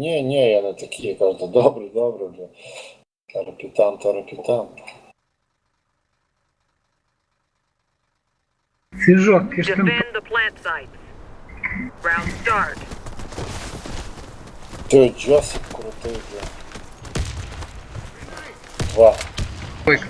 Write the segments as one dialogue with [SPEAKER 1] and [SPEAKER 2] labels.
[SPEAKER 1] Ні, я не такий, я кажу, добре, бля. Тарапітан.
[SPEAKER 2] Свіжок, киштим.
[SPEAKER 3] Defend the plant sites. Round start.
[SPEAKER 1] Той Джосик крутий, бля. 2.
[SPEAKER 2] Двойка.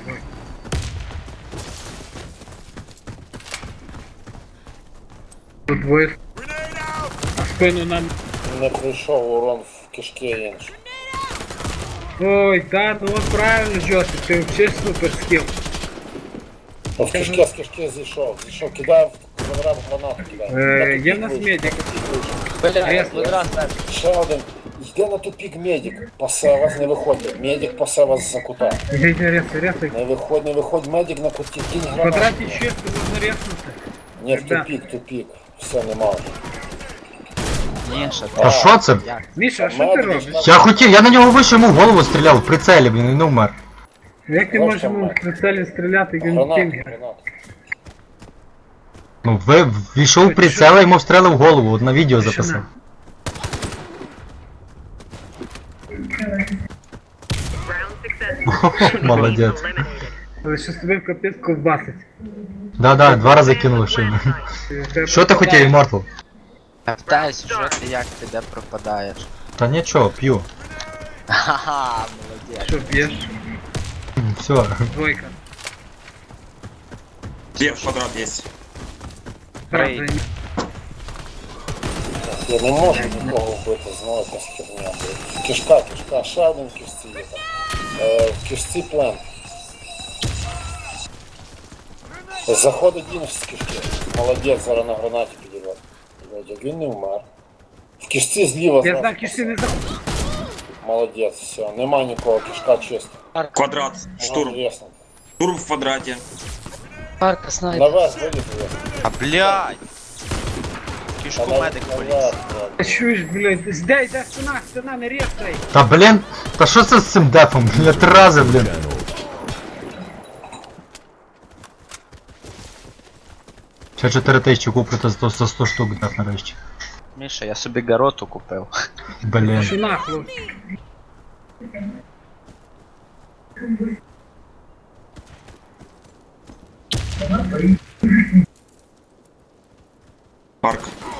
[SPEAKER 2] Тут двоє. А спину нам.
[SPEAKER 1] Не прийшов урон в кишки інший.
[SPEAKER 2] Ой, да, ну от правильно, Джосик, ти взагалі супер скіл.
[SPEAKER 1] Ну, в кишки, з кишки зійшов, кидав, квадрат гранату кидав.
[SPEAKER 2] Є в нас медик.
[SPEAKER 4] Бля, квадрат.
[SPEAKER 1] Ще один. Йде на тупік медик, пасе вас не виходить. Медик пасе вас за кута.
[SPEAKER 2] Іди, рясай.
[SPEAKER 1] Не виходь, медик на куті, кинь
[SPEAKER 2] В
[SPEAKER 1] гранату.
[SPEAKER 2] квадраті чисто можна ряснути.
[SPEAKER 1] Ні, в тупік. Все, нема.
[SPEAKER 4] Міша,
[SPEAKER 5] А що це?
[SPEAKER 2] Міша, а що ти робиш?
[SPEAKER 5] Я на нього вийшов, йому в голову стріляв в прицелі, блін, і не вмер.
[SPEAKER 2] Як ти
[SPEAKER 1] Ось
[SPEAKER 2] можеш
[SPEAKER 1] там,
[SPEAKER 2] йому в
[SPEAKER 1] Мак.
[SPEAKER 2] прицелі стріляти, як він кінгер?
[SPEAKER 1] Гранату.
[SPEAKER 5] Ну, війшов в прицел, йому встрелив в голову, от на відео записав.
[SPEAKER 3] Round successful.
[SPEAKER 5] Молодець.
[SPEAKER 3] Eliminated.
[SPEAKER 2] Але що тобі в капець ковбасить.
[SPEAKER 5] Да, 2 рази кинули шину. Що ти хотів, Immortal?
[SPEAKER 4] Я питаюсь, що ти як ти де пропадаєш?
[SPEAKER 5] Та нічого, п'ю.
[SPEAKER 4] Ха-ха, молодець.
[SPEAKER 2] Що б'єш?
[SPEAKER 5] Все.
[SPEAKER 2] Двойка.
[SPEAKER 6] Где квадрат есть?
[SPEAKER 4] Брейк.
[SPEAKER 2] Правда,
[SPEAKER 1] Я не можу нікого вбити, знову якась херня. Кишка, ще один в кишці є там. В кишці плен. Заходить він з кишки. Молодець, зараз на гранаті підірвати. Як він не вмер. В кишці зліва
[SPEAKER 2] я
[SPEAKER 1] зразу.
[SPEAKER 2] знаю, кишки не заходить.
[SPEAKER 1] Молодець, все, нема нікого, кишка чиста.
[SPEAKER 6] Квадрат, штурм.
[SPEAKER 1] Ясно.
[SPEAKER 6] Штурм в квадрате.
[SPEAKER 4] Парка снайпер.
[SPEAKER 1] Наверх вилітує.
[SPEAKER 4] А блядь! Кішку медик поліз.
[SPEAKER 2] Ти чуєш, блядь, йде стіна, не рєсай.
[SPEAKER 5] Та блін, та що це з цим дефом? Я 3 рази, блін. Ще 4000 куплю, то за 100 штук деф нарешті.
[SPEAKER 4] Міша, я собі гароту купив.
[SPEAKER 5] Блін.
[SPEAKER 2] Стіна, хлопці.
[SPEAKER 6] Парк.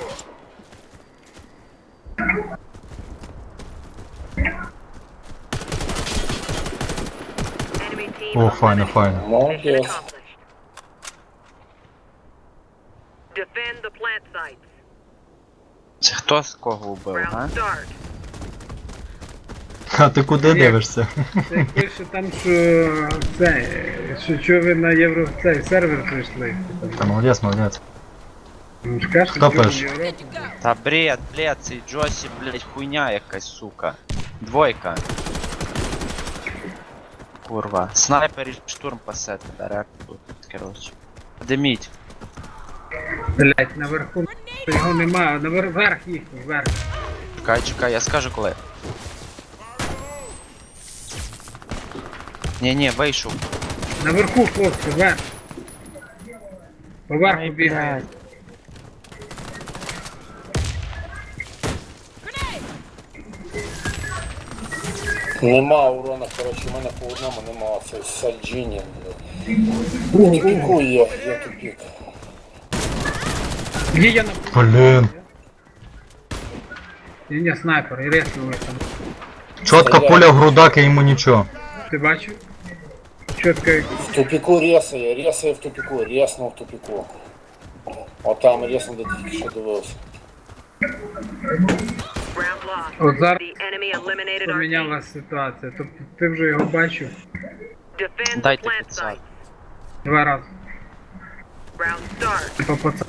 [SPEAKER 3] Enemy team
[SPEAKER 5] О, файно.
[SPEAKER 3] Mission
[SPEAKER 1] Молодець.
[SPEAKER 3] accomplished. Defend the plant sites.
[SPEAKER 4] Це хто з кого вбив,
[SPEAKER 3] Round
[SPEAKER 4] а?
[SPEAKER 3] start.
[SPEAKER 5] А ти куди дивишся?
[SPEAKER 2] Це пише там, що це, що ви на євро цей сервер прийшли.
[SPEAKER 5] Та молодець.
[SPEAKER 2] Ну, ж кажеш,
[SPEAKER 5] Хто
[SPEAKER 2] що в
[SPEAKER 5] пише?
[SPEAKER 2] Європі.
[SPEAKER 4] Та бред, цей Джосі, блядь, хуйня якась, сука. Двойка. Курва. Снайпер і штурм пасе тебе, тут, коротше. Диміть.
[SPEAKER 2] Блять, наверху його немає, наверх їхній, вверх.
[SPEAKER 4] Чекай, я скажу коли. Ні, вийшов.
[SPEAKER 2] Наверху, хлопці, вверх. Поверху
[SPEAKER 4] Ай,
[SPEAKER 2] бігає.
[SPEAKER 4] блядь.
[SPEAKER 1] Нема урона, коротше, в мене по одному нема, це Сальджіні. Тупіку є тупік.
[SPEAKER 2] Є я на...
[SPEAKER 5] Блін.
[SPEAKER 2] Ні, снайпер, і реснули там.
[SPEAKER 5] Чотка пуля в грудак, і йому нічого.
[SPEAKER 2] Ти бачив? Чітко як...
[SPEAKER 1] В тупіку ресає в тупіку, реснув в тупіку. Отам реснув, де тільки що дивився.
[SPEAKER 3] Round lost.
[SPEAKER 2] От зараз
[SPEAKER 3] The enemy eliminated our team.
[SPEAKER 2] помінялася ситуація. Тобто ти вже його бачив
[SPEAKER 3] Defend the
[SPEAKER 4] Дайте
[SPEAKER 3] plant
[SPEAKER 4] 500.
[SPEAKER 3] sites.
[SPEAKER 2] 2 рази.
[SPEAKER 3] Round start.
[SPEAKER 2] Типа пацан.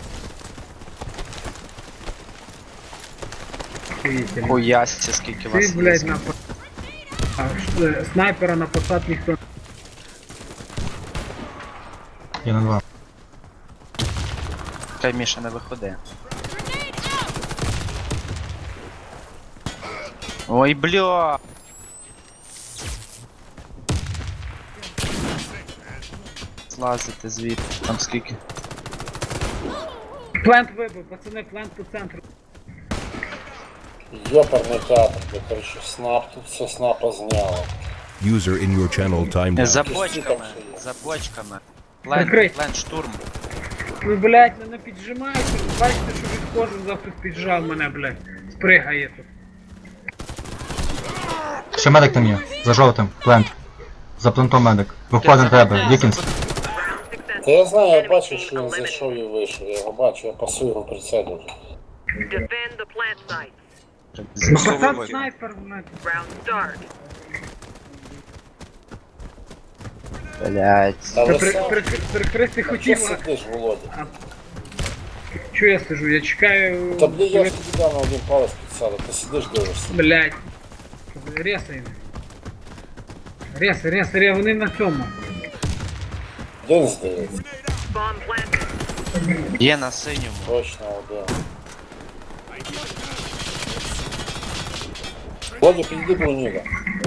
[SPEAKER 2] Охуїтельно.
[SPEAKER 4] Хуясся, скільки
[SPEAKER 2] Ти,
[SPEAKER 4] вас
[SPEAKER 2] блядь,
[SPEAKER 4] є.
[SPEAKER 2] на снайпера на посад ніхто.
[SPEAKER 5] Я на 2.
[SPEAKER 4] Чекай, Міша, не виходи. Ой, бля! Злазити звідти, там скільки.
[SPEAKER 2] Плент вибив, пацани, плент по центру.
[SPEAKER 1] Йоперний театр, де, коротше, снап, тут все снапа зняло.
[SPEAKER 7] User in your channel timed out.
[SPEAKER 4] За
[SPEAKER 1] Кишки
[SPEAKER 4] бочками,
[SPEAKER 1] там ще є.
[SPEAKER 4] за бочками.
[SPEAKER 2] Прикрий.
[SPEAKER 4] Плен штурм.
[SPEAKER 2] Ви, блядь, мене піджимаєте, бачите, що відходжу, завтра піджав мене, блядь. Спригає тут.
[SPEAKER 5] Ще медик там є. За жовтим. Плент. За плентом медик. Виходить на тебе. Вікінс.
[SPEAKER 1] Та я знаю, я бачу, що він зайшов і вийшов. Я його бачу, я пасую його прицелю.
[SPEAKER 3] Defend the plant site.
[SPEAKER 2] Пацан
[SPEAKER 6] Ой.
[SPEAKER 2] снайпер, блядь.
[SPEAKER 3] Round start.
[SPEAKER 4] Блять.
[SPEAKER 1] Та
[SPEAKER 2] Та
[SPEAKER 1] ви сам,
[SPEAKER 2] прикрити
[SPEAKER 1] що
[SPEAKER 2] хотів, а
[SPEAKER 1] сидиш, Володя?
[SPEAKER 2] чого я сижу? Я чекаю...
[SPEAKER 1] Та блін, я ж тобі дав на один палець підсадив, ти сидиш дивишся.
[SPEAKER 2] Блядь. Ресай. Ресай, вони на цьому.
[SPEAKER 1] Один здається,
[SPEAKER 3] Bomb planted.
[SPEAKER 4] Є на синьому.
[SPEAKER 1] точно один. Володя, підійди до Ніга.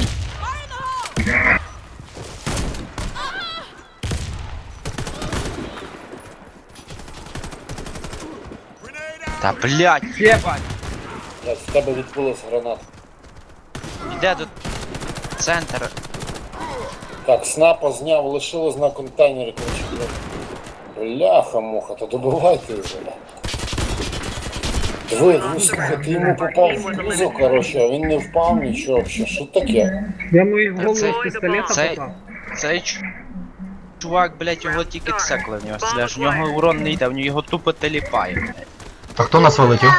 [SPEAKER 4] Та блять, єбать.
[SPEAKER 1] Блядь, в тебе відбулась граната.
[SPEAKER 4] Іде до центр.
[SPEAKER 1] Так, снапа зняв, лишилось на контейнері, коротше, блядь. Бляха-муха, то добивайте вже. Диви, слухай, ти йому попав в пузо, коротше, а він не впав нічого взагалі. Що таке?
[SPEAKER 2] Я мою голову
[SPEAKER 4] Це-
[SPEAKER 2] з пістолета
[SPEAKER 4] це-
[SPEAKER 2] попав.
[SPEAKER 4] Цей чувак, блять, його тільки цекли в нього стріляєш. В нього урон не йде, в нього його тупо теліпає, блять.
[SPEAKER 5] Та хто нас вилетів?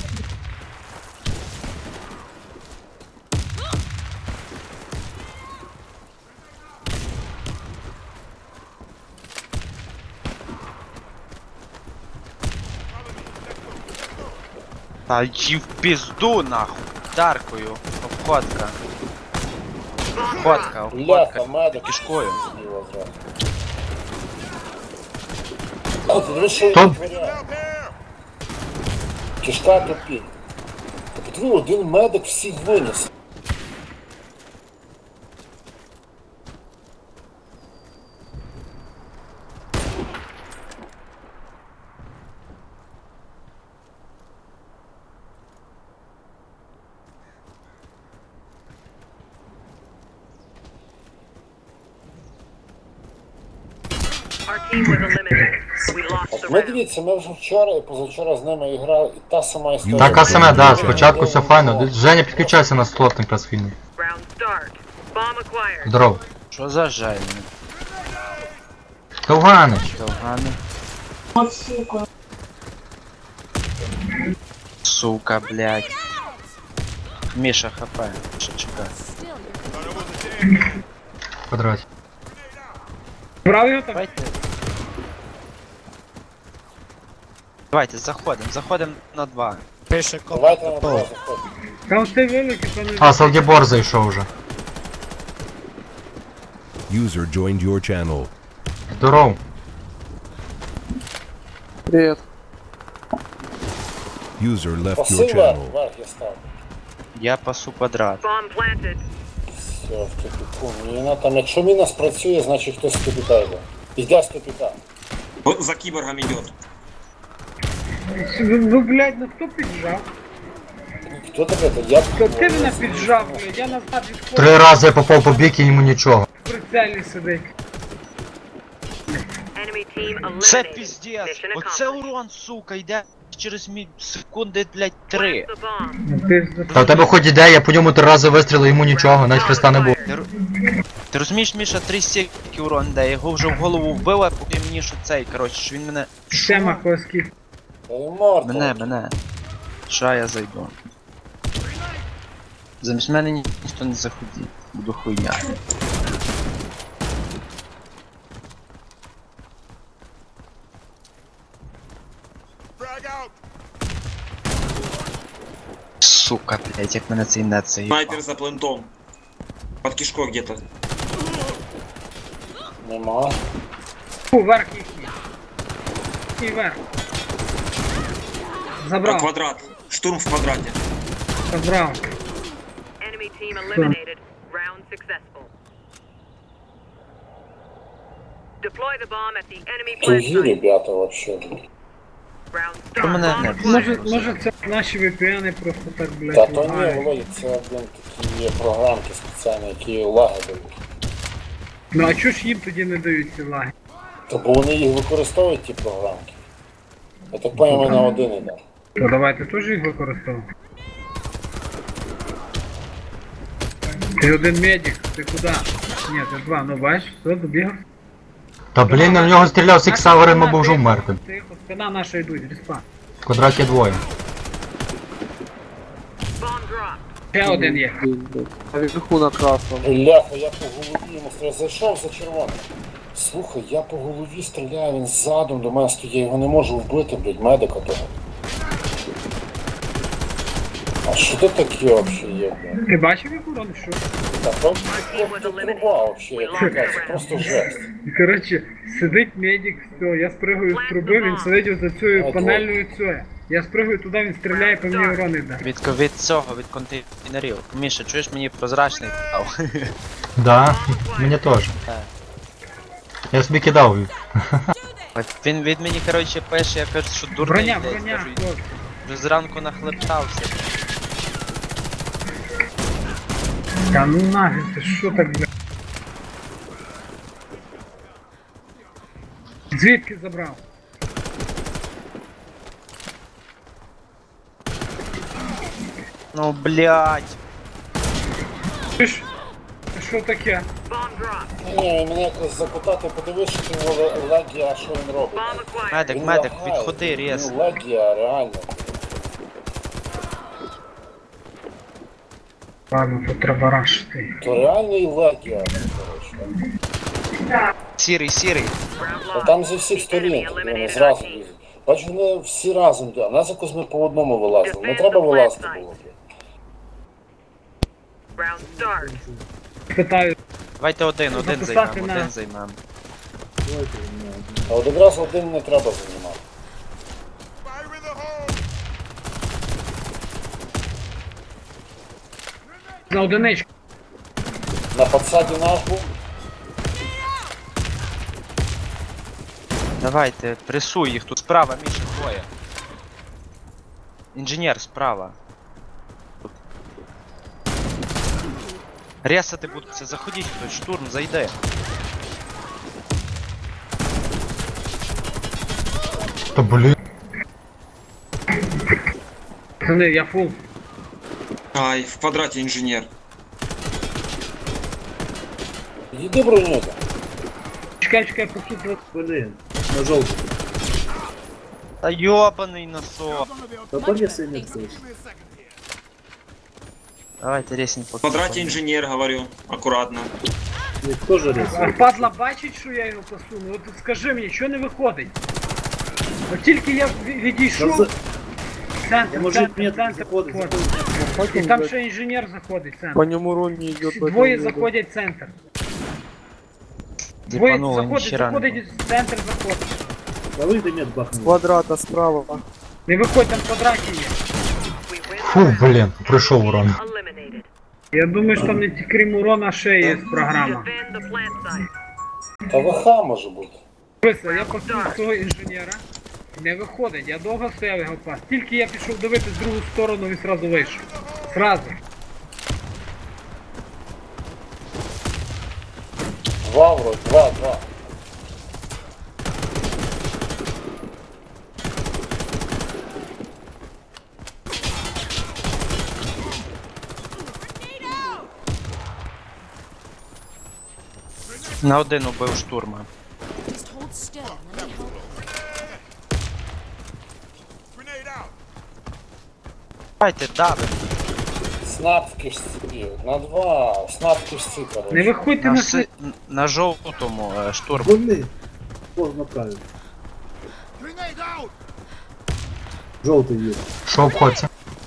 [SPEAKER 4] Та й в пізду нахуй. Даркою. Обходка. Обходка,
[SPEAKER 1] Бляха,
[SPEAKER 4] обходка.
[SPEAKER 1] медик.
[SPEAKER 4] Кишкою.
[SPEAKER 1] Зліва зразу. О, ти дивись, що він
[SPEAKER 5] Хто?
[SPEAKER 1] витворяє. Кишка тупі. Та подиви, один медик всіх виніс.
[SPEAKER 3] Our team was eliminated. We lost the
[SPEAKER 1] От ми
[SPEAKER 3] round.
[SPEAKER 1] дивіться, ми вже вчора і позавчора з ними грали, і та сама історія.
[SPEAKER 5] Така саме, да, спочатку все файно. Женя підключайся на слот якраз вільний.
[SPEAKER 3] Round start. Bomb acquired.
[SPEAKER 5] Здоров.
[SPEAKER 4] Що за жальник?
[SPEAKER 5] Довганич.
[SPEAKER 4] Довгани. Сука, блядь. Міша хп. Що чекай.
[SPEAKER 5] В квадраті.
[SPEAKER 2] Брав його там?
[SPEAKER 4] Давайте, заходим на 2.
[SPEAKER 1] Давайте на два заходимо.
[SPEAKER 2] Там все вилетів, то не...
[SPEAKER 5] А, Салдібор зайшов вже.
[SPEAKER 7] User joined your channel.
[SPEAKER 5] Здоров.
[SPEAKER 7] User left your
[SPEAKER 1] Паси вверх,
[SPEAKER 7] channel.
[SPEAKER 1] вверх я став.
[SPEAKER 4] Я пасу квадрат.
[SPEAKER 3] Bomb planted.
[SPEAKER 1] Все, в тупіку. Міна там, якщо міна спрацює, значить хтось з тупіка йде. Йде з тупіка.
[SPEAKER 6] Вот за киборгом идет.
[SPEAKER 2] Ну, блядь, ну хто піджав?
[SPEAKER 1] Хто таке? То я
[SPEAKER 2] То ти мене піджав, блядь, я назад відходжу,
[SPEAKER 5] 3 рази я попав по бік і йому нічого.
[SPEAKER 2] в прицелі сидить.
[SPEAKER 3] Enemy team eliminated.
[SPEAKER 4] Це піздець!
[SPEAKER 3] Mission
[SPEAKER 4] Оце
[SPEAKER 3] accomplished.
[SPEAKER 4] урон, сука, йде через секунди, блядь, 3.
[SPEAKER 3] Plant the bomb.
[SPEAKER 2] Ну, ти
[SPEAKER 5] Та в тебе хоч іде, я по ньому 3 рази вистрілив, йому нічого, навіть хреста не було.
[SPEAKER 4] Ти розумієш, Міша, 3 стільки урон йде, я його вже в голову вбив, а поки мені що цей, коротше, що він мене...
[SPEAKER 2] Тема коски.
[SPEAKER 1] Та й морда.
[SPEAKER 4] Мене. Ша я зайду. Замість мене ніхто не заходить. Буду хуйня. Сука, блять, як мене цей нет заїбав.
[SPEAKER 6] Снайпер за плентом. Под кишкой где-то.
[SPEAKER 1] Нема.
[SPEAKER 2] Вверх їхній. І вверх. Забрав,
[SPEAKER 6] Квадрат. Штурм в квадрате.
[SPEAKER 2] забрав.
[SPEAKER 3] Enemy team eliminated. Round successful. Deploy the bomb at the enemy plant
[SPEAKER 1] Тугі
[SPEAKER 3] site.
[SPEAKER 1] ребята вообще.
[SPEAKER 3] Round
[SPEAKER 4] То мене
[SPEAKER 3] start.
[SPEAKER 4] не
[SPEAKER 2] Може це наші VPN просто так,
[SPEAKER 1] Та
[SPEAKER 2] блядь,
[SPEAKER 1] то ні,
[SPEAKER 2] лагають.
[SPEAKER 1] Володя, це блін, такі є програмки спеціальні, які лаги дають.
[SPEAKER 2] Ну а чого ж їм тоді не дають ці лаги?
[SPEAKER 1] То бо вони їх використовують, ті програмки. Я так поняв, мене один іде.
[SPEAKER 2] То давайте теж їх використовувати. Ти один медик, ти куди? Ні, ти два, ну бачиш, все, добігав.
[SPEAKER 5] Та блін, на нього стріляв Сіксавером, або вже вмерти.
[SPEAKER 2] Тихо, спина наша йдуть, респа.
[SPEAKER 5] В квадраті двоє.
[SPEAKER 3] Bomb drop.
[SPEAKER 2] Ще один є.
[SPEAKER 8] А вверху на красному.
[SPEAKER 1] Бляха, я по голові йому стріляю. Зайшов за червоним. Слухай, я по голові стріляю, він задом до мене стоїть, я його не можу вбити, блядь, медика того. А що це таке взагалі є, блядь?
[SPEAKER 2] Ти бачив як урон, що?
[SPEAKER 1] Та просто труба взагалі, я тобі кажу, це просто жесть.
[SPEAKER 2] Коротше, сидить медик, все, я спригаю з труби, він сидить за цією
[SPEAKER 1] Ой,
[SPEAKER 2] панельною цією. Я спригаю туди, він стріляє, по мені урон іде.
[SPEAKER 4] Від цього, від контейнерів. Міша, чуєш, мені прозрачний дав.
[SPEAKER 5] Да, мені теж.
[SPEAKER 4] Так.
[SPEAKER 5] Я собі кидав.
[SPEAKER 4] Він від мені, коротше, пише, я кажу, що дурний.
[SPEAKER 2] Броня,
[SPEAKER 4] блядь,
[SPEAKER 2] броня,
[SPEAKER 4] кажу,
[SPEAKER 2] хлопці.
[SPEAKER 4] вже зранку нахлептався.
[SPEAKER 2] Та ну нафіг, ти що так, бля? Звідки забрав?
[SPEAKER 4] Ну, блядь.
[SPEAKER 2] Ти ж? Ти що таке?
[SPEAKER 3] Bomb drop.
[SPEAKER 1] Ні, мене якось запитати, подивись, що ти Легія, що він робить.
[SPEAKER 3] Bomb acquired.
[SPEAKER 4] Медик,
[SPEAKER 1] Він
[SPEAKER 4] медик,
[SPEAKER 1] лагає,
[SPEAKER 4] відходи, рез.
[SPEAKER 1] Ну, Легія, реально.
[SPEAKER 2] Ладно, тут треба рашити.
[SPEAKER 1] То реальний Легія, коротше.
[SPEAKER 4] Сірий, сірий.
[SPEAKER 3] Round
[SPEAKER 1] А
[SPEAKER 3] lost.
[SPEAKER 1] там зі всіх сторін, вони зразу лізуть. Бачу, вони всі разом йдуть, а нас якось ми по одному вилазили. Не треба вилазити було.
[SPEAKER 3] Round start.
[SPEAKER 2] Питаю,
[SPEAKER 4] Давайте один
[SPEAKER 2] Записати
[SPEAKER 4] займемо,
[SPEAKER 2] на-
[SPEAKER 4] один займемо.
[SPEAKER 1] А от якраз один не треба займати.
[SPEAKER 2] на одиничку.
[SPEAKER 1] На подсаді наш був.
[SPEAKER 4] Давайте, пресуй їх тут справа, Міша, двоє. Інженер справа. Тут. Ресати будуть, заходіть хтось, штурм, зайде.
[SPEAKER 5] Та блін.
[SPEAKER 2] Пацани, я фул.
[SPEAKER 6] Ай, в квадрате инженер.
[SPEAKER 1] Йди бронюка.
[SPEAKER 2] Чекай, поки
[SPEAKER 8] Блин, на желтый.
[SPEAKER 4] Та йобаний носок.
[SPEAKER 8] Да повесы нет здесь.
[SPEAKER 4] Давайте ресень
[SPEAKER 6] В
[SPEAKER 4] поки.
[SPEAKER 6] квадрате инженер, говорю. Аккуратно.
[SPEAKER 8] Никто же
[SPEAKER 2] А
[SPEAKER 8] рисует.
[SPEAKER 2] падла бачить, що я його посуну? От скажи мені, що не виходить? От тільки я відійшов.
[SPEAKER 8] Да
[SPEAKER 2] Центр,
[SPEAKER 8] Может
[SPEAKER 2] центр,
[SPEAKER 8] нет,
[SPEAKER 2] центр
[SPEAKER 8] заходит,
[SPEAKER 2] підходить. І там ще інженер заходить,
[SPEAKER 8] По
[SPEAKER 2] центр.
[SPEAKER 8] нему урон не идет.
[SPEAKER 2] Двоє заходять в центр. Двоє
[SPEAKER 4] Діпануло,
[SPEAKER 2] заходить,
[SPEAKER 4] ніхіра не було.
[SPEAKER 2] заходить, в центр заходить.
[SPEAKER 8] Да выйди нет бахнул. Квадрата справа.
[SPEAKER 2] Не виходь, там в квадраті є.
[SPEAKER 3] We win.
[SPEAKER 5] Фу, блін, пройшов урон.
[SPEAKER 3] Eliminated.
[SPEAKER 2] Я думаю, що там не тільки крім урона ще є програма.
[SPEAKER 3] Defend the plant site.
[SPEAKER 1] Та ВХ може бути.
[SPEAKER 2] Дивися, я посунув цього інженера. Не виходить, я довго стояв його пас. Тільки я пішов дивитися в другу сторону, він сразу вийшов. Сразу.
[SPEAKER 1] Два вроді, два.
[SPEAKER 4] На один убив штурма.
[SPEAKER 9] Just hold still. Let me help.
[SPEAKER 4] Давайте давим.
[SPEAKER 1] Снап в кишці. На два. Снап в кишці, коротше.
[SPEAKER 2] Не виходьте
[SPEAKER 4] На,
[SPEAKER 2] на
[SPEAKER 4] си... на жовтому штурм.
[SPEAKER 8] Больны. Поздно правильно. Желтый есть.
[SPEAKER 5] Що обходиться?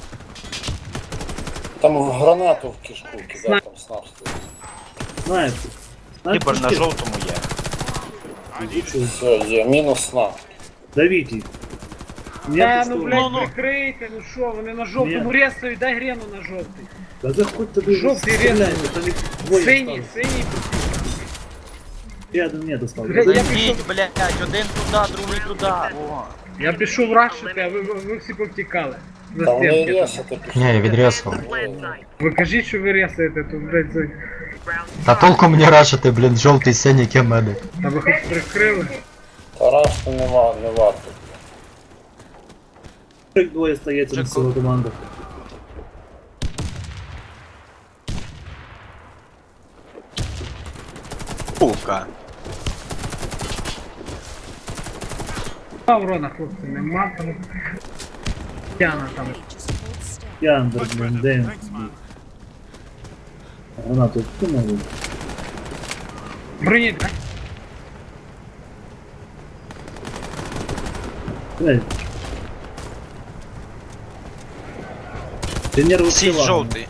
[SPEAKER 1] Там в гранату в кишку кидав, там снап стоїть.
[SPEAKER 8] Знает.
[SPEAKER 4] Кібер на жовтому є.
[SPEAKER 1] Все, є, мінус снап.
[SPEAKER 8] Давите их.
[SPEAKER 2] Та,
[SPEAKER 8] Нет,
[SPEAKER 2] ну
[SPEAKER 8] что?
[SPEAKER 2] блядь, прикрийте, ну що, вони на жовтому
[SPEAKER 8] Ні.
[SPEAKER 2] ресають, дай грену на жовтий.
[SPEAKER 8] Да заходь ты
[SPEAKER 2] Желтый
[SPEAKER 8] стреляй, это не двое
[SPEAKER 2] Синій,
[SPEAKER 8] осталось.
[SPEAKER 2] синій.
[SPEAKER 8] Я до мене достав.
[SPEAKER 2] Я
[SPEAKER 4] Ідіть, блядь, один туди, другий туди. О.
[SPEAKER 2] Я пішов рашити, а ви всі повтікали. За
[SPEAKER 1] Та вони
[SPEAKER 2] стінки.
[SPEAKER 1] рєсати пішли.
[SPEAKER 5] Ні, я відрізав.
[SPEAKER 3] Plant site.
[SPEAKER 2] Ви кажіть, що ви рясаєте, то, блядь,
[SPEAKER 3] Round
[SPEAKER 5] Та
[SPEAKER 3] start.
[SPEAKER 5] толку мені рашити, блін, жовтий синій медик.
[SPEAKER 2] та ви хоч прикрили.
[SPEAKER 1] Та рашти нема, не варто.
[SPEAKER 8] Як двоє стається на всього команду.
[SPEAKER 4] Сука.
[SPEAKER 2] А урона, хлопці, нема там. Тяна там.
[SPEAKER 9] Just hold still.
[SPEAKER 8] Яндер, блін, де він? Гранату кинули.
[SPEAKER 2] Броні, дай.
[SPEAKER 8] Блядь. Інженер
[SPEAKER 4] Всі
[SPEAKER 8] вистріла.
[SPEAKER 4] жовтий.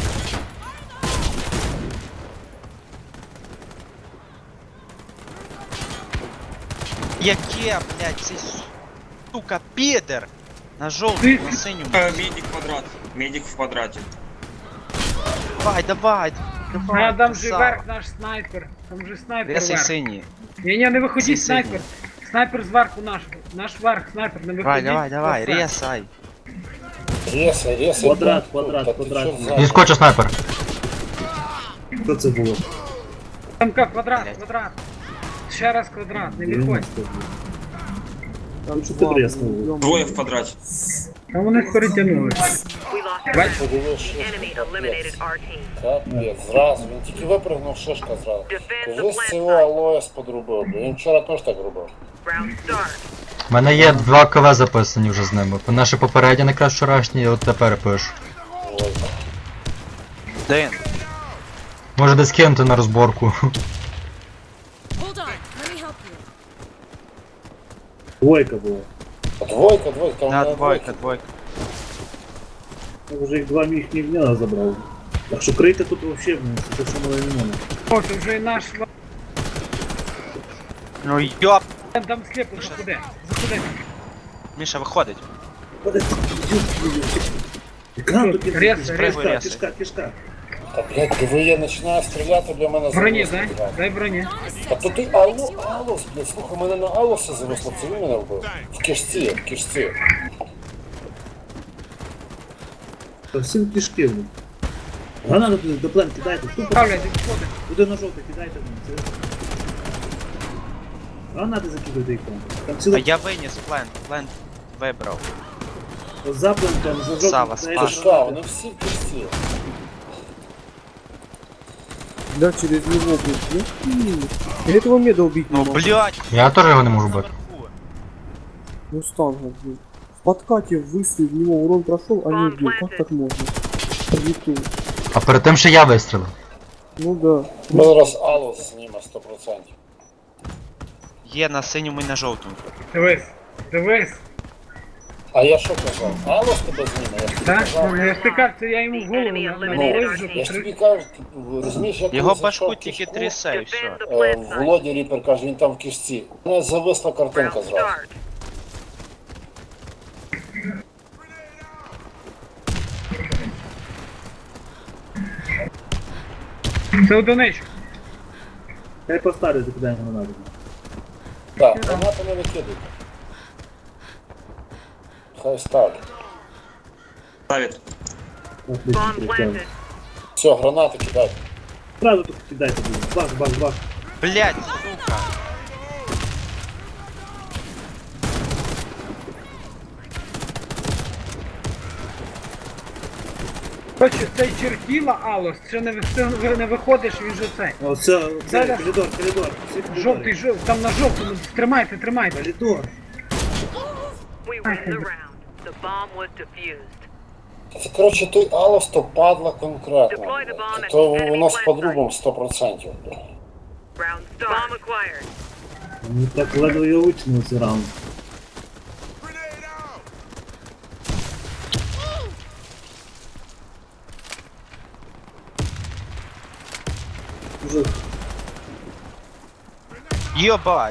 [SPEAKER 4] Яке, блядь, цей сука, підер! На жовтий, на синьому.
[SPEAKER 6] Медик квадрат. Медик в квадрате.
[SPEAKER 4] Давай, давай.
[SPEAKER 2] А там же
[SPEAKER 4] красава.
[SPEAKER 2] верх наш снайпер. Там же снайпер
[SPEAKER 4] Ресай
[SPEAKER 2] верх.
[SPEAKER 4] синій.
[SPEAKER 2] Ні, не виходіть,
[SPEAKER 4] Всі
[SPEAKER 2] снайпер. Снайпер зверху наш. Наш верх, снайпер, не виходіть.
[SPEAKER 4] Давай,
[SPEAKER 2] Оце.
[SPEAKER 4] ресай.
[SPEAKER 1] Рєсай.
[SPEAKER 8] Квадрат,
[SPEAKER 1] Та
[SPEAKER 8] квадрат,
[SPEAKER 1] ти
[SPEAKER 8] квадрат.
[SPEAKER 1] що за-
[SPEAKER 5] Він скочив снайпер.
[SPEAKER 8] Що це було?
[SPEAKER 2] Там как, квадрат,
[SPEAKER 4] Блядь.
[SPEAKER 2] квадрат. Ще раз квадрат, не відходь.
[SPEAKER 8] 90 було. Там що ти преснули?
[SPEAKER 6] Двое в квадрате.
[SPEAKER 2] Там вони перетягнули.
[SPEAKER 3] We lost
[SPEAKER 2] Бач,
[SPEAKER 3] ground.
[SPEAKER 1] Подивись, що
[SPEAKER 3] Enemy
[SPEAKER 1] це,
[SPEAKER 3] eliminated
[SPEAKER 1] капець.
[SPEAKER 3] our team.
[SPEAKER 1] Капець, зразу. Він тільки випрыгнув, шишка зразу.
[SPEAKER 3] Defend the
[SPEAKER 1] Кажись,
[SPEAKER 3] plant
[SPEAKER 1] цього
[SPEAKER 3] site.
[SPEAKER 1] Алоес подрубив, бо він вчора теж так робив.
[SPEAKER 3] Round start.
[SPEAKER 5] У мене є 2 КВ записані вже з ними. Наші попередні якраз вчорашні, і от тепер пишу.
[SPEAKER 1] Ой.
[SPEAKER 4] Дин.
[SPEAKER 5] Може десь кинути на розборку.
[SPEAKER 9] Hold on. Let me help you.
[SPEAKER 8] Двойка була.
[SPEAKER 1] Двойка, там
[SPEAKER 4] Да,
[SPEAKER 1] на
[SPEAKER 4] двойка, двойка.
[SPEAKER 8] Я вже їх два їхніх дня забрав. Так що крийте тут вообще, блін, це що мале не можна.
[SPEAKER 2] о, це вже і наш.
[SPEAKER 4] Ну йоп.
[SPEAKER 2] Там сліпо, заходи. Заходи.
[SPEAKER 4] Міша виходить.
[SPEAKER 8] Екран тут є.
[SPEAKER 2] Рез,
[SPEAKER 8] Кишка,
[SPEAKER 4] рез.
[SPEAKER 8] кишка, кишка.
[SPEAKER 1] Та, блядь, диви, я починаю стріляти, для мене
[SPEAKER 2] Броні,
[SPEAKER 1] зависло,
[SPEAKER 2] дай.
[SPEAKER 1] блядь.
[SPEAKER 2] Дай броні.
[SPEAKER 1] А то ти Алос, блядь, слухай, мене на Алоса зависло, це він мене вбив. В кишці.
[SPEAKER 8] Та всім кишки, блін. Гранату туди до плен кидайте, тупо
[SPEAKER 2] Ставлять, відходи.
[SPEAKER 8] туди на жовтий кидайте, блін. Це... Гранати закидуйте їх там. Там
[SPEAKER 4] А
[SPEAKER 8] цілий
[SPEAKER 4] я виніс плент. Плент вибрав.
[SPEAKER 8] за плентом, за жовтим.
[SPEAKER 4] Сава,
[SPEAKER 8] кидаєте
[SPEAKER 4] спас.
[SPEAKER 1] Кишка,
[SPEAKER 8] гранати.
[SPEAKER 1] вони всі в кишці.
[SPEAKER 10] Да, через него, блядь. Я этого меда убить
[SPEAKER 4] Ну
[SPEAKER 10] не могу.
[SPEAKER 4] блядь.
[SPEAKER 5] Я теж його не можу бити.
[SPEAKER 10] Мустанга, блядь. В подкате выстрел, в него урон прошел, а не убил. Как так можно? Лету.
[SPEAKER 5] А перед тим ще я вистрілив.
[SPEAKER 10] Ну да.
[SPEAKER 1] Ми зараз Алос зніме 100%.
[SPEAKER 4] Є на синьому і на жовтому.
[SPEAKER 2] Дивись. Дивись.
[SPEAKER 1] А я що казав? Алос тебе зніме, я ж тобі
[SPEAKER 2] Так?
[SPEAKER 1] казав.
[SPEAKER 2] Я ж ти кажу, це я йому в голову навалив
[SPEAKER 1] Я ж
[SPEAKER 2] вже.
[SPEAKER 1] тобі кажу, розумієш, як
[SPEAKER 4] Його
[SPEAKER 1] він
[SPEAKER 4] башку
[SPEAKER 1] зайшов в
[SPEAKER 4] тільки
[SPEAKER 1] кишку,
[SPEAKER 4] трясе і все.
[SPEAKER 3] Defend the plant site.
[SPEAKER 1] Володя Ріпер каже, він там в кишці. У мене зависла картинка
[SPEAKER 3] Round
[SPEAKER 1] зразу.
[SPEAKER 3] start.
[SPEAKER 2] Це одиничка.
[SPEAKER 8] Хай поставлю, закидаємо гранату.
[SPEAKER 1] Так, гранати не викидуйте. Хай ставлять.
[SPEAKER 6] Ставит.
[SPEAKER 8] Отлично,
[SPEAKER 3] Bomb
[SPEAKER 8] прикольно.
[SPEAKER 3] planted.
[SPEAKER 1] Все, гранати кидайте.
[SPEAKER 8] Сразу тут кидайте, блін. Бах, бах, бах.
[SPEAKER 4] Блядь, сука.
[SPEAKER 2] Короче, цей чертіла Алос, ще не виходиш, він же цей.
[SPEAKER 8] О, все,
[SPEAKER 2] Зараз.
[SPEAKER 8] коридор, коридор. Всі коридори.
[SPEAKER 2] Жовтий, там на жовтому, тримайте.
[SPEAKER 8] Коридор.
[SPEAKER 3] We win the round. The bomb was defused.
[SPEAKER 1] Це, коротше, той Алос, то падла конкретно.
[SPEAKER 3] Deploy the bomb at
[SPEAKER 1] То
[SPEAKER 3] enemy
[SPEAKER 1] воно з
[SPEAKER 3] plant
[SPEAKER 1] подрубом 100%.
[SPEAKER 3] Round start. Bomb acquired.
[SPEAKER 8] Мені так ледве я вичнув цей раунд. Уже
[SPEAKER 4] Йобать.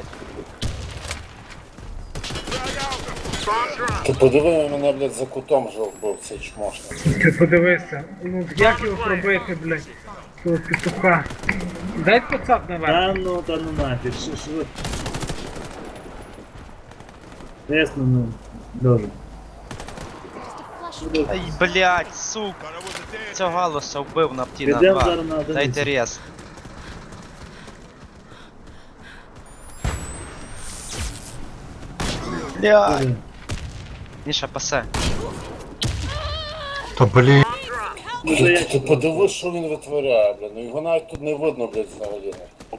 [SPEAKER 3] Bomb dropped.
[SPEAKER 1] Ти подиви мене, блядь, за кутом вже вбив цей чмошник.
[SPEAKER 2] Ти подивися. Ну як його пробити, блядь, того петуха. Дай поцап наверх.
[SPEAKER 8] Та ну нафіг, що ви? Ясно, ну, дуже.
[SPEAKER 4] Ай, блядь, сука. Цього галуса вбив на птіна
[SPEAKER 8] Підемо
[SPEAKER 4] 2.
[SPEAKER 8] зараз на одиницю.
[SPEAKER 4] Дайте рез. Блядь. Міша, пасе.
[SPEAKER 5] То блін.
[SPEAKER 1] Ти, ти подивись, що він витворяє, блін. Ну його навіть тут не видно, блядь, взагалі.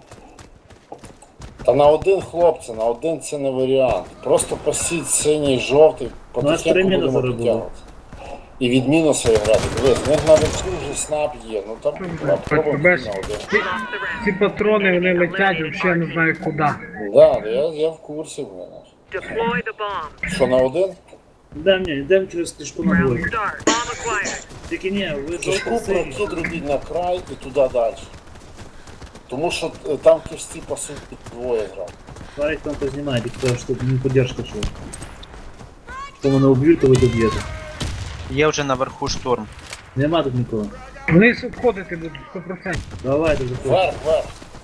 [SPEAKER 1] Та на один, хлопці, на один це не варіант. Просто посіть синій, жовтий,
[SPEAKER 8] нас три
[SPEAKER 1] потихеньку
[SPEAKER 8] мінуса
[SPEAKER 1] будемо
[SPEAKER 8] робили.
[SPEAKER 1] підтягувати. І від мінуса грати. Дивись, в них навіть вже снап є. Ну там попробуємо
[SPEAKER 2] Бачиш,
[SPEAKER 1] на один.
[SPEAKER 2] ці патрони вони летять, взагалі не знаю куди.
[SPEAKER 1] Да, я в курсі, блін.
[SPEAKER 3] Deploy the bomb.
[SPEAKER 1] Що на один?
[SPEAKER 8] Йдемо через кишку на
[SPEAKER 3] Round
[SPEAKER 8] двойку.
[SPEAKER 3] start. Bomb acquired.
[SPEAKER 8] Тільки ні, ви
[SPEAKER 1] Кишку
[SPEAKER 8] жовтий синій.
[SPEAKER 1] прокид робіть на край і туди далі. Тому що там кишці по суті двоє грав.
[SPEAKER 8] Парень там познімає, тільки того, що тут не поддержка що. Якщо мене уб'ють, то ви доб'єте.
[SPEAKER 4] Є вже наверху штурм.
[SPEAKER 8] Нема тут нікого.
[SPEAKER 2] Вниз обходити будуть 100%.
[SPEAKER 8] Давайте заходьте.
[SPEAKER 1] Вверх.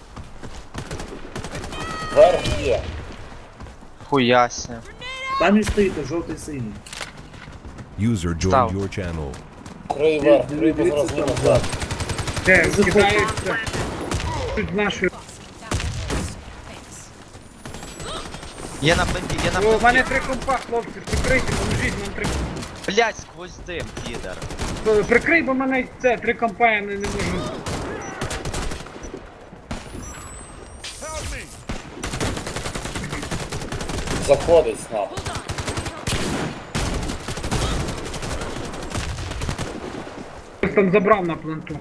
[SPEAKER 1] Вверх є.
[SPEAKER 4] Хуяся.
[SPEAKER 8] Там і стоїте, жовтий синій.
[SPEAKER 7] User
[SPEAKER 4] Став.
[SPEAKER 7] joined your channel.
[SPEAKER 1] Крий вверх, крий без
[SPEAKER 8] Дивіться
[SPEAKER 1] розміру.
[SPEAKER 8] там ззаду.
[SPEAKER 2] Де,
[SPEAKER 8] Заходь.
[SPEAKER 2] кидаються. Тут з нашої.
[SPEAKER 4] Є на пленті, є на
[SPEAKER 2] О, в мене
[SPEAKER 4] пленті.
[SPEAKER 2] 3 компа, хлопці, прикрийте, поможіть нам 3.
[SPEAKER 4] Блядь, сквозь дим, підер.
[SPEAKER 2] Прикрий, бо в мене це 3 компа, я не можу.
[SPEAKER 1] Заходить снап.
[SPEAKER 2] Хтось там забрав на пленту.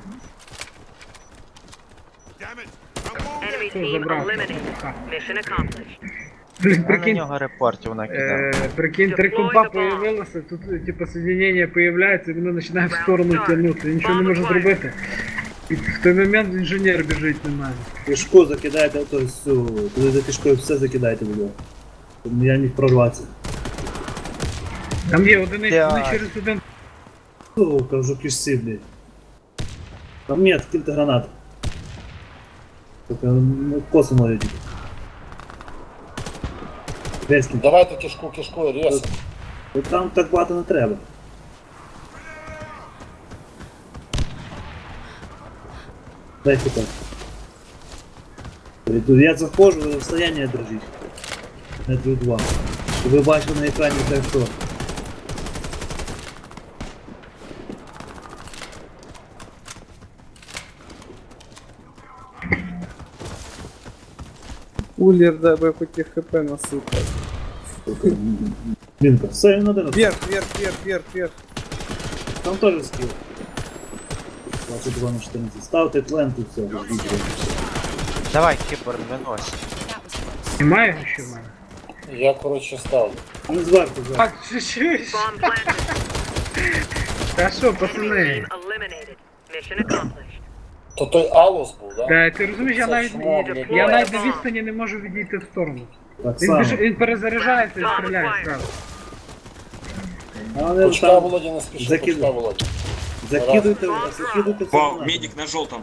[SPEAKER 3] Enemy
[SPEAKER 2] Хто
[SPEAKER 3] team
[SPEAKER 2] забрав?
[SPEAKER 3] eliminated. Mission accomplished.
[SPEAKER 2] Блін,
[SPEAKER 4] Я на
[SPEAKER 2] прикинь,
[SPEAKER 4] нього репортів накидав.
[SPEAKER 2] прикинь, 3 компа появилося, тут типу соединення появляється, і воно починає в сторону тягнути. Нічого не може зробити. І в той момент інженер біжить на мене.
[SPEAKER 8] Кишку закидайте, то всю. Коли за кишкою все закидайте буде. Щоб я міг прорватися.
[SPEAKER 2] Там є одиниці, вони
[SPEAKER 4] Так.
[SPEAKER 2] через один.
[SPEAKER 8] О, кажу кишці, блядь. Там нет, кілька гранат. Только ну, косо може тільки. Десь кілька.
[SPEAKER 1] Давайте кишку рез.
[SPEAKER 8] Там так багато не треба. Дай сюди. Я заходжу, ви розстояння держіть. Метрів 2. І ви бачите на екрані те, що.
[SPEAKER 10] Улер, дай бы хоть и хп насыпать.
[SPEAKER 8] Блінка, все, він один.
[SPEAKER 10] Вверх.
[SPEAKER 8] Там теж скіл. 22 на 14. Ставте плент і все. ждіть.
[SPEAKER 4] Давай, кібер, винось.
[SPEAKER 2] Немає його ще в мене.
[SPEAKER 1] Я, коротше, ставлю.
[SPEAKER 8] Не зверху,
[SPEAKER 2] А,
[SPEAKER 8] зверху.
[SPEAKER 2] чуть-чуть.
[SPEAKER 3] Bomb planted.
[SPEAKER 2] Та що,
[SPEAKER 3] Enemy
[SPEAKER 2] пацани?
[SPEAKER 3] team eliminated. Mission accomplished.
[SPEAKER 1] То той Алос був, да?
[SPEAKER 2] Та ти розумієш, я
[SPEAKER 1] Це
[SPEAKER 2] навіть
[SPEAKER 1] чмо, блядь.
[SPEAKER 2] я навіть на відстані не можу відійти в сторону.
[SPEAKER 8] Так
[SPEAKER 2] Він,
[SPEAKER 8] само.
[SPEAKER 2] він перезаряджається і стріляє зразу.
[SPEAKER 8] Але
[SPEAKER 1] Почка,
[SPEAKER 8] там
[SPEAKER 1] Володя, не спіши,
[SPEAKER 8] закид-
[SPEAKER 1] почка, Володя.
[SPEAKER 8] закидуйте все.
[SPEAKER 6] Вау,
[SPEAKER 8] на-
[SPEAKER 6] медик на желтом.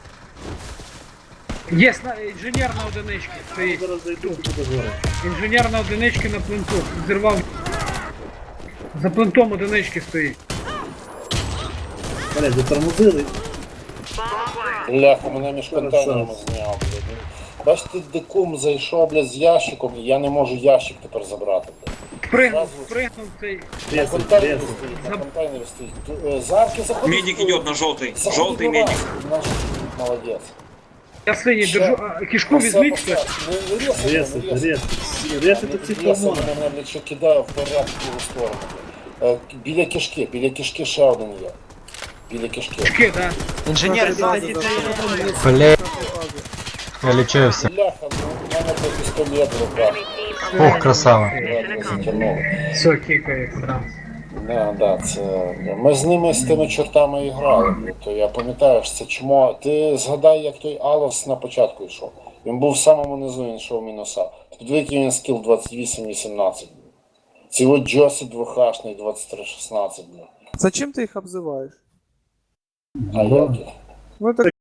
[SPEAKER 2] Є інженер на одиничці стоїть.
[SPEAKER 8] Зараз зайду, буде горе.
[SPEAKER 2] Інженер на одиничці на пленту. Зірвав. За плентом одинички стоїть.
[SPEAKER 8] Блядь, затормозили.
[SPEAKER 3] Bomb acquired.
[SPEAKER 1] Бляха, мене між контейнерами зняв, блядь. Бачите, дикум зайшов, блядь, з ящиком, і я не можу ящик тепер забрати, блядь.
[SPEAKER 2] Спригнув цей.
[SPEAKER 1] На
[SPEAKER 8] Ресик,
[SPEAKER 1] контейнері
[SPEAKER 8] ресик.
[SPEAKER 1] стоїть, на контейнері стоїть. Зарки заходить.
[SPEAKER 6] Медик идет на желтый.
[SPEAKER 1] Заходи,
[SPEAKER 6] Желтый
[SPEAKER 1] давай.
[SPEAKER 6] медик.
[SPEAKER 1] Наш молодець.
[SPEAKER 2] Я синій
[SPEAKER 1] Ще.
[SPEAKER 2] держу. А, кішку візьміть хтось.
[SPEAKER 8] Ресик. Ресик ці полмона.
[SPEAKER 1] Мене, блядь, ще кидає вперед в другу сторону. Біля кишки ще один є. Біля кишки.
[SPEAKER 2] Кішки, да.
[SPEAKER 4] Інженер ззаду.
[SPEAKER 5] Блін. Я лічився.
[SPEAKER 1] Бляха, ну, у мене той пістолет в руках.
[SPEAKER 3] Enemy team
[SPEAKER 5] Ох, красава.
[SPEAKER 1] Ледве затягнуло.
[SPEAKER 2] Все, кікає сразу.
[SPEAKER 1] Да, це. Ми з ними з тими чортами і грали. То я пам'ятаю, що це чмо. Ти згадай, як той Алос на початку йшов. Він був в самому низу, він йшов мінуса. Подивіться, він скіл 28-18. Ці от Джосі 2Хшний 23-16.
[SPEAKER 10] Зачем ты их обзываешь?
[SPEAKER 1] А як?
[SPEAKER 10] Ну это